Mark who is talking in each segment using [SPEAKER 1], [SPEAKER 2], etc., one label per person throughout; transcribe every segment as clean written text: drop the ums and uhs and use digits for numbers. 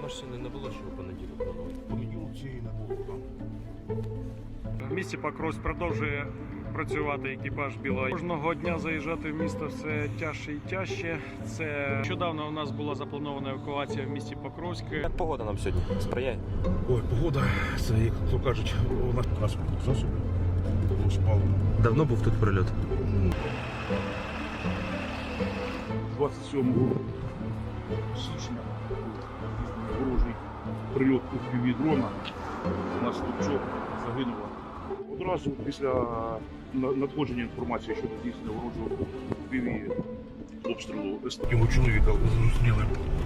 [SPEAKER 1] машини не було, що у понеділок планувати?
[SPEAKER 2] Понеділок цієї не було там.
[SPEAKER 3] В місті Покровськ продовжує працювати екіпаж Білого. Кожного дня заїжджати в місто все тяжче і тяжче. Це нещодавно у нас була запланована евакуація в місті Покровськ.
[SPEAKER 1] Як погода нам сьогодні сприяє?
[SPEAKER 2] Ой, погода, це, як то кажуть, у нас транспортних засобів було спалено.
[SPEAKER 1] Давно був тут прильот?
[SPEAKER 2] 27 січня ворожий прильот у півдрона. У нас Тупчок загинула. Одразу після надходження інформації щодо здійснення ворожого піві обстрілу його чоловіка зустріли.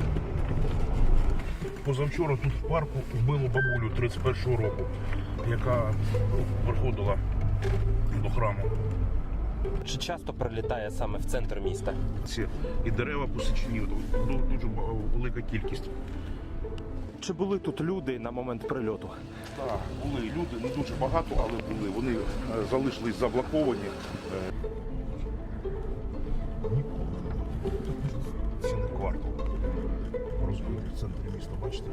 [SPEAKER 2] Позавчора тут в парку вбило бабулю 31-го року, яка приходила до храму.
[SPEAKER 1] Чи часто прилітає саме в центр міста?
[SPEAKER 2] І дерева посічені, дуже велика кількість.
[SPEAKER 1] Чи були тут люди на момент прильоту?
[SPEAKER 2] Так, були люди, не дуже багато, але були. Вони залишились заблоковані. Цілий квартал розбитий в центрі міста, бачите?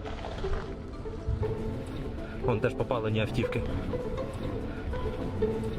[SPEAKER 1] Вон теж попалені автівки.